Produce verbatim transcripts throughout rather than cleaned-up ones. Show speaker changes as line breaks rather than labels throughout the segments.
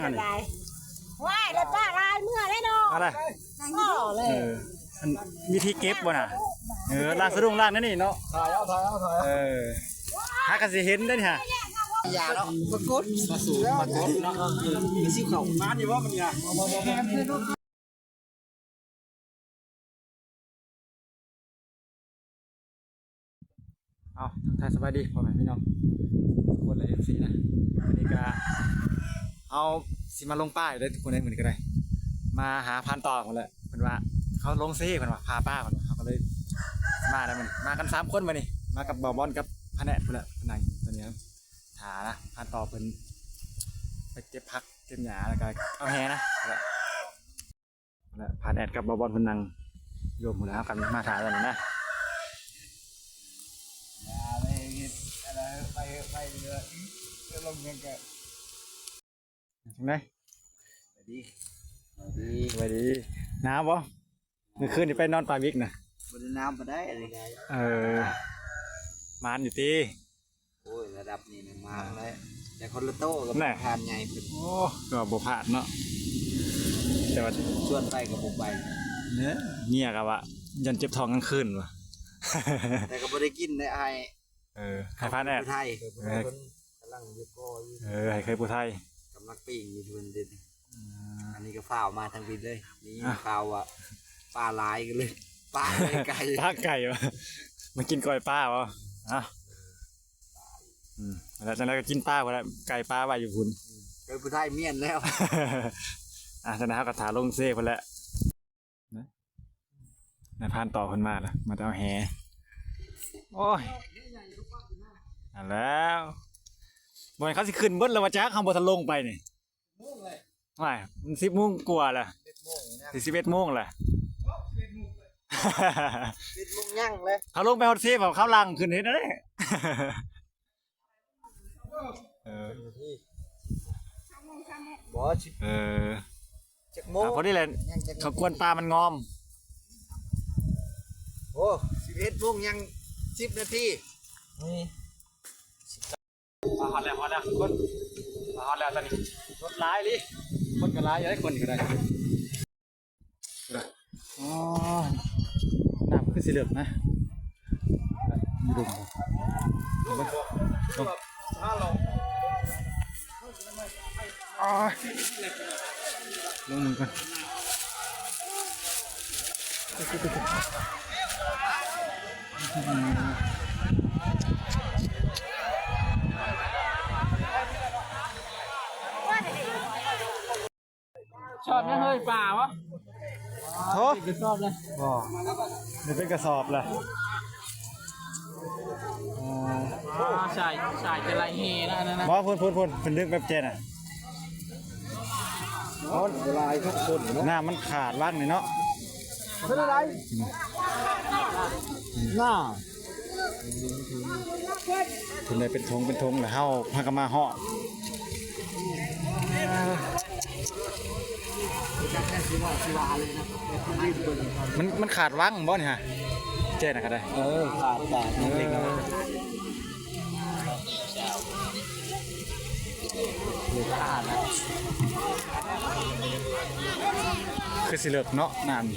อะไรว้ายรถป้าลายเมื่อได้เนาะ
อะไร
ก็เลย
มีที่เก็บบ่น่ะเออลากสะดุ้งลากนั่นนี่เนาะ
ถ่ายเอาถ่ายเอาถ่าย
เออหากันสิเห็นได้ฮะ
ยาแล้วปรากฏมาสู่ปรากฏเนาะมีซิ่วเข่ามาดีว่ามันเนี่ย
เอาทักทายสบายดีพ่อแม่พี่น้องทุกคนเลย เอฟ ซี นะวันนี้ก็เอาสิมาลงป้ายได้ทุกคนได้เหมือนกันเลยมาหาพันต่อคนเลยเหมือนว่าเขาลงซีเหมือนว่าพาป้าเหมือนว่าเขาก็เลยมาได้มันมากันสามคนมานี่มากับบอบอลกับพะแนคนละพนังตอนนี้ถานะพันต่อเพิ่นไปเก็บพักเก็บหญ้าแล้วก็เอาแฮนะแล้วพาแอดกับบอบอลเพิ่นนั่งรวมหมดแล้วกันมาถ่ายกันนะ
ไปไปเรือจะลงยังไง
ถึงไหน
ไปดีไปดี
ไปดีน้ำบ่เมื่อคืนนี่ไปนอนปลาวิกนะ
บนน้ำมาได้อะไรไง
เออมานอยู่ตี
โอ้ยระดับนี้เนี่ยมาแล้วแต่คนละโต้กับทานไง
โอ้ก็บ่พลาดเนาะแต่ว่า
ชวนไปกับผมไป
เนี่ยเงียกับว่ายันเจ็บท้องกลางคืนวะ
แต่ก็ไม่ได้กินได้ไอ
เออให้พานแอด
ไทยกำลังยึดก้อย
เออให้เคยผู้ไทย
กำลังปีกอยู่ทุนเด็ดอันนี้ก็ฝ้าวมาทางบินเลยนี่ฝ้าวอ่ะปลาลายกันเลยปลาไก่
ปลาไก่วะมันกินก้อยปลาวะอ่ะอืมแล้วจากนั้นก็กินปลาวะแล้วไก่ปลาไว้อยู่คุณ
เคยผู้ไทยเมียนแล้ว
อ่ะจากนั้นเขาก็ถาลงเซ่ไปแล้วนะนายพานต่อคนมาละมาเอาแฮโอ้ยอ่ะแล้วบนเขาสิขึ้นบนแล้วว่าจ้าข้างบนทะลงไปนี่ไม่มันสิบโมงกว่าละสิบเอ็ดโมงละ
สิบโมงยั่งเลย
เขาลงไปฮอตเซ่แบบเขาลังขึ้นเห็นได้เอ
อบอส
เออ
จักโมง
พอดีเลยเขากวนปลามันงอม
โอ้สิบเอ็ดโมงยังสิบนาทีนี่
มาฮอตแล้วฮอตแล้วคนมาฮอตแล้วตอนนี้รถร้ายลิคนก็ร้ายอย่าให้คนก็ได้อ๋อน้ำขึ้นสีเหลืองนะมีดุมดุมดุมอ๋อลงมือกัน
ชอบยังเฮ้ยป่าวะ
โถ่
เป็นชอบเลย
อ๋อนี่เป็นกระสอบเลย
อ๋อใช่ใช่จะไรเฮนะนั่นนะ
บอพูนพูนพูนเป็นลึกแบบเจนอ่ะ
ลายทุกคน
หน้ามันขาดว่างเลยเนาะ
เป็นอะไร
หน้าเป็นอะไรเป็นทงเป็นทงหรือเฮ้าพากมาห่อมันมันขาดว่างบ่เนี่ยฮะเจ๊นะก็ได้
เออขาดขาดนี่เล็กน้อยเหลือขาดนะ
คือสิเลิกเนาะนาน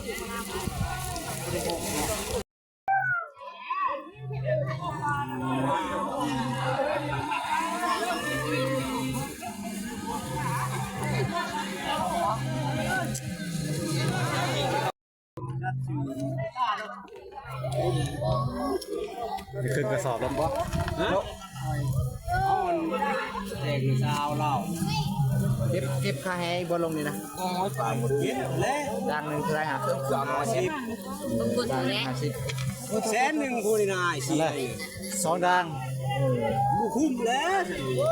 นี่คือกระสอบแล้วปะ
อ๋อเด็กสาวเราเก็บเก็บค่าแห้งบนลงนี่นะอ๋อฝ่ายหมดกินแล้วดังหนึ่งคืออะไรฮะสามร้อยสิบดังห้าสิบแสนหนึ่งคูณนายสี่
สองดัง
บุคุ้มแล้ว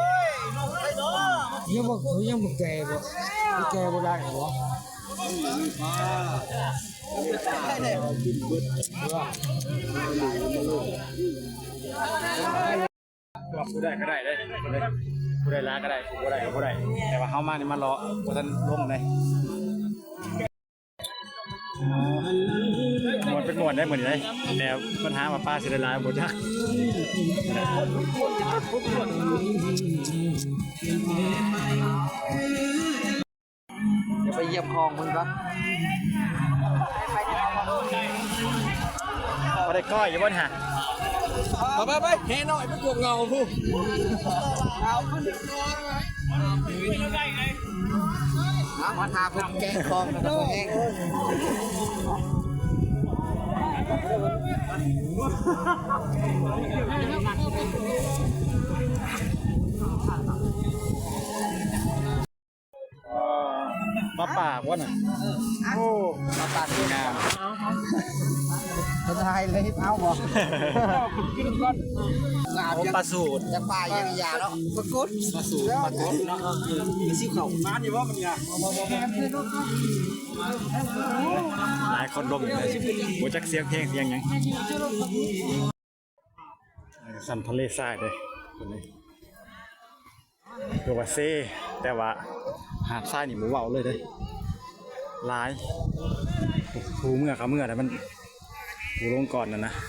ยังบอกยังบอกแกบอกแกบอกได้เหรอ
ผู้ได้ก็ได้ได้ผู้ได้ล้าก็ได้ผู้ได้ก็ผู้ได้แต่ว่าเขามานี่มันรอผู้ท่านลงเลยหมดเป็นหมวดได้เหมือนเลยแต่ปัญหามาป้าเสียดายหมดนะ
เดี๋ยวไปเยี่ยมคลองมึงก่อน
พอได้ก้อยอยู่บ่นฮะ
ไปไปไปเฮหน่อยไปกวงเงาผู้มาทาเพิ่นแกงคลองนะตัวเอง
มาปากวะน่ะโอ้
มาตัด
งาม
คนไทยเลยเอาบ่กินก่อนงาม
ปลาสูตร
จะป่ายังยาเนาะปรากฏ
ปลาสูตรปลากดเนาะมีซิวเข่ามาดีว่ามันเนี่ยหลายคนลมเลยโบจักเสียงเพลงเสียงหยังสันทะเลทรายเลยคนนี้คือว่าเซ่แต่ว่าหาดทรายนี่หมูเบาเลยเลยหลายภูเมื่อเขาเมื่อแต่มันภูลงก่อนนะนะ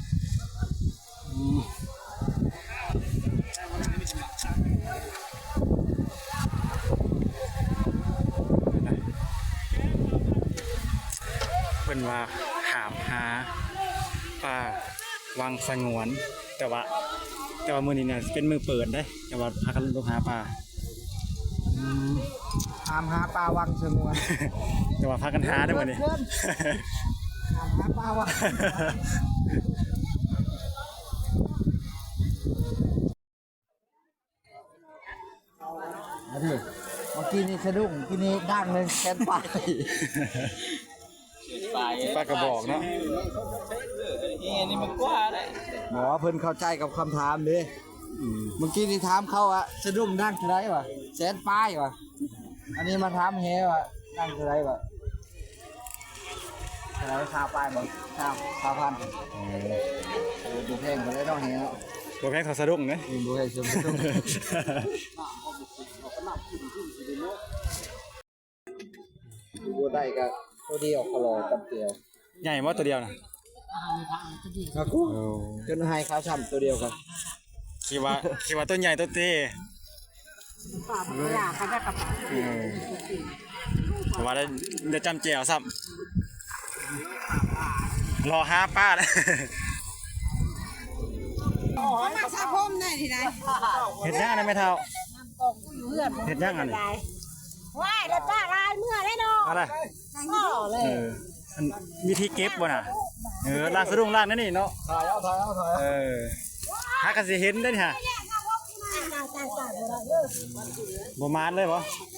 เป็นว่าหามหาปลาวังสงวนแต่ว่าแต่ว่ามือนี้เนี่ยเป็นมือเปิดได้แต่ว่าพากันลงหาปลา
ตามหาปลาวังสงวน
แต่ว่าพากันหาได้หมดนี่
ตามหาปลาวังเมื่อกี้นี่สะดุ้งที่นี่ดังเลยแคนไป
ปลากระบอกเนาะ
นี่นี่มันกว่าเลย
หมอเพิ่นเข้าใจกับคำถามเด้เมื่อกี้นี่ถามเขาอะสะดุ้งดังเท่าไรวะแสนป้ายวะอันนี้มาถามเฮวะดังเท่าไรวะเท่าไรชาวป้ายบ่ชาวชาวพันดูเพลงก็ได้ต้องเฮว
บัวแพงทอสะดุ้งเนย
ดูเพลงสมดุลดูได้ก็ตัวเดียวคลอกับเดียว
ใหญ่มากตัวเดียวนะ
ครับกูจนให้เขาช้ำตัวเดียวกัน
คิดว่าคิดว่าต้นใหญ่ต้นเต้
ปากมันอยากเขาจะกลับมา
แต่ว่าได้ได้จำเจียวซ้ำรอห้าป้าแล้ว
มาซาพมได้ทีไหน
เห็ดย่างอะไรไม่เท่า
ตกอยู่เพื่อน
เห็ดย่างอันนี้
ว่ายเลยป้าลายเมื่อได้เนาะ
อะไร
พ่อเล
เอย ออันวิธีเก็บบ่น่ะเออลากสะดุ้งลากนั่นนี่เนาะ
ถ่ายเอาถ่ายเอาถ่าย
เออหากันสิเห็นได้นี่ฮะ
ตายตายตายเลย
บ่มานเลยบ่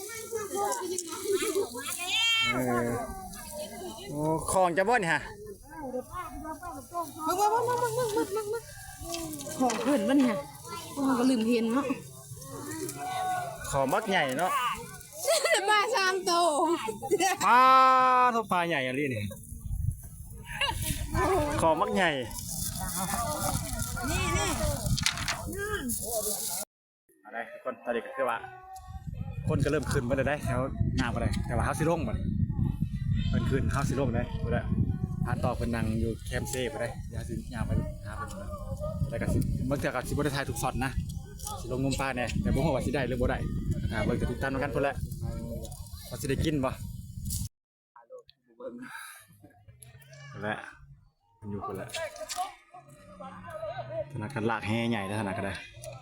เออโอ้ของจะบ่นี่ฮะ
มึงมึงมึงมึงมึงมึงมึงมึงของขึ้นวะเนี่ยพวกมันก็ลืมเห็นเนาะ
ของมักใหญ่เนาะ
ป้าสามโต
ปลาทบปลาใหญ่อะไรนี่ของมักใหญ่
นี่นี่
อะไรคนตอนเด็กก็คือว่า คนก็เริ่มขึ้นมาเลยได้แถวหน้าไปเลยแต่ว่าเฮาสิลงบ่เพิ่นขึ้นเฮาสิลงได้บ่ได้พาต่อเพิ่นนั่งอยู่แคมป์เซ่ไปได้เดี๋ยวสิย่างไปหาเพิ่นบ่แล้วก็สิบางเทื่อก็สิบ่ได้ถ่ายทุกช็อตนะสิลงงมปลาแน่แต่บ่ฮู้ว่าสิได้หรือบ่ได้อ่าเบิ่งก็ติดตามกันพุ่นแหละว่าสิได้กินบ่และมันอยู่พุ่นแหละธนาคารลากแห่ใหญ่ธนาคารได้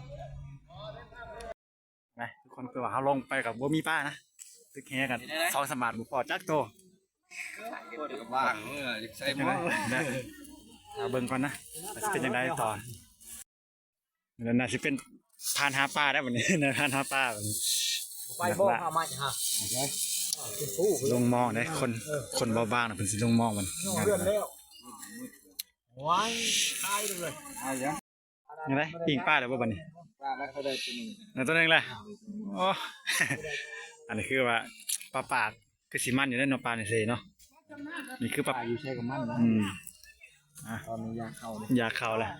ไปทุกคนคือว่าเฮาลงไปกับบ่มีป้านะตึกแห่กันสองสมาร์ทบ่พอจักโต
ว่างเมื่อใส่
เป็น
ห
ยัง
ม้อ
ไงนะเอาเบิ่งก่อนนะว่าสิเป็นยังไงต่อแล้วน่าสิเป็นพานหาปลาได้บัดนี้ นะพานหาปลาบัดนี้
ไปบ่พามาฮะ
ลงมองได้คนคนเบาบางน่ะเพิ่นสิลงมองมัน
เพื่อนแล้วว้ายตายเลยเอาอย่าง
ยังไงปิ้งปลาได้บ่บัดนี้
ปลาแล้วเขาได้ตัวนึง
แล้วตัวหนึงแหละโอ้ อันนี้คือว่าปลาปากคือสิมันอยู่ในเนาะปลาในเซเนาะนี่คือปลา
อยู่ใช้กับมันนะ
อืมอ่ะ
ตอนนี้ยาเข้าเลย
ยาเข้าแล้ว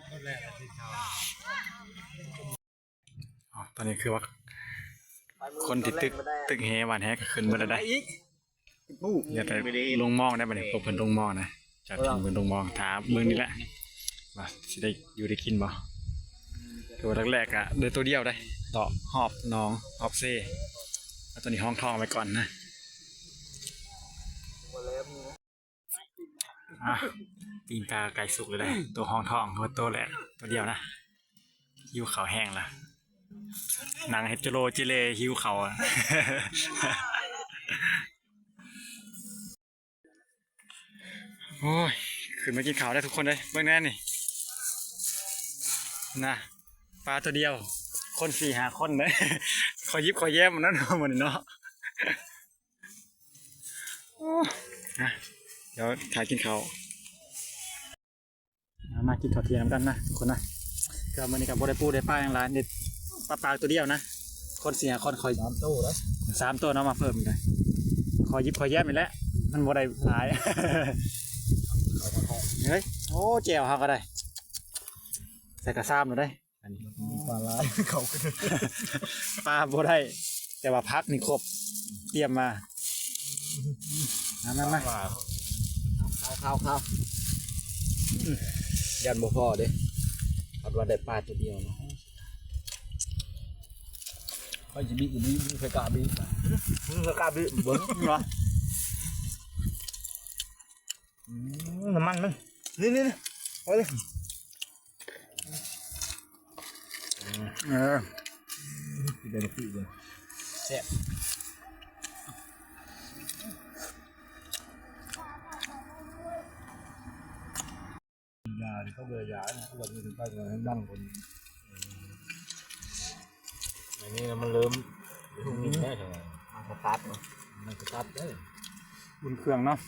อ๋อตอนนี้คือว่า คนที่ตึกตึกแฮหวานแฮก็ขึ้นมาแล้วได้อย่าไปลงมองได้บ่เนี่ยพวกเพิ่นลงมองนะจากที่เพิ่นลงมองถามเบิ่งนี่แหละว่าสิได้อยู่ได้กินบ่ตัวแรกๆอ่ะเดินตัวเดียวได้ต่อหอบน้องหอบเซ่แล้วตอนนี้ห้องทองไปก่อนนะอ่ะตีนกาไก่สุกเลยได้ตัวห้องทองตัวโตแหละตัวเดียวนะหิวเขาวแห้งละนางเฮจโรจิเลหิวเขาวอ่ะ โอ้ยขึ้นมากินข้าวได้ทุกคนเลยเบื้องแน่นี่นะปลาตัวเดียวคนสี่หาคนเลย คอยยิบคอยแย้มมันนั่นเหมือนเนาะนะเดี๋ยวถ่ายกินข้าวมากินข้าวเที่ยงกันนะทุกคนนะก็มื่อนี้กับโบได้ปูได้ป้าอย่างไรเด็ดปลาปลาตัวเดียวนะคนสี่หาคนคอยสามตัวแล้วสามตัวเนาะมาเพิ่มเลยคอยยิบคอยแย้มอีกแล้วมันโบได้หลาย เฮ้ยโอ้เจียวเขาก็ได้ใส่กระซ้ำหนูได้อันนี้ปลาลายเขาปลาโบได้แต่ว่าพักนี่ครบเตรียมมามามามา
ข้าวข้าวข้าวยันบ่พอเด้คันว่าได้ปลาตัวเดียวเนาะไปสิบิสิบิมีไฟกาบิมึงไฟกาบิเบิ่งเนาะน้ำมันมันนี่นี่นี่เอาเลยเออเดี๋ยวพี่เดี๋ยวแซ่บยาที่เขาเบื่อยาเนี่ยวันนี้ถึงไปเงินดังคนอันนี้มันเริ่มทุ่งนี้ได้ใช่ไหมมันสตาร์ทเนาะมันสตาร์ทได้
บุญเครื่องเนาะ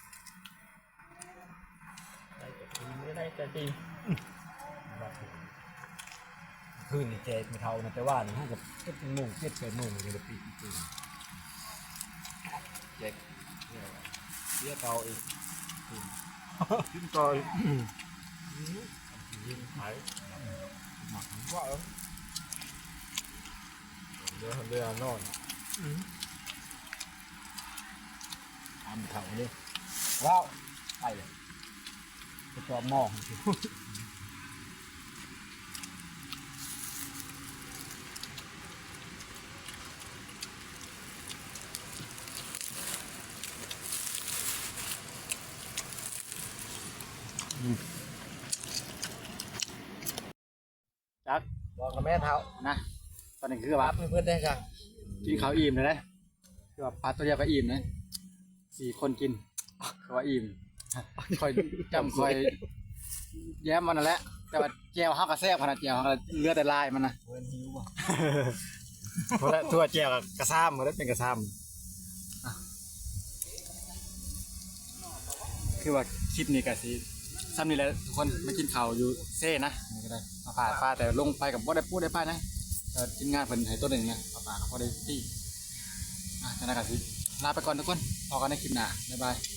ไม่ได้แต่จริงคืนนี่เจ็ดไม่เท่านะแต่ว่านี่ห้ากับเจ็ดโมงเจ็ดแปดโมงนี่จะปีจริงเจ็ดเสียเตาอีกขึ้นต่อยยิงหายหมักว่าเดี๋ยวเรือนอนทำเท่านี้ว้าวไปเลยไปจอมหม้อ
จัก
บอกกับแม่เท้า
นะตอนนี้คือแบบ
เพื่อนได้กัน
กินข้าวอิ่มเลยนะคือแบบปลาตัวเดียวก็อิ่มนะสี่คนกินเขาว่าอิ่มคอยจำคอยแย้มมันนั่นแหละแต่ว่าแจวห้ากระแซบขนาดแจวเขาเลือดแต่ลายมันนะ
เพื่อนหิวป่ะ
เพราะทั่วแจวกระซ้ำมันได้เป็นกระซ้ำคือว่าคลิปนี้ก็สิซ้ำนี่แหละทุกคนไม่กินข้าวอยู่เซ่นะนี่ก็ได้มาผ่าฟ้าแต่ลงไปกับบ่ได้พูดได้ป้ายนะเออทีมงานเพิ่นให้ตัวหนึ่งนะป่าป่าเขาบ่ได้ที่อ่ะจะนั่นก็สิลาไปก่อนทุกคนพอกันในคลิปหน้าบ๊ายบาย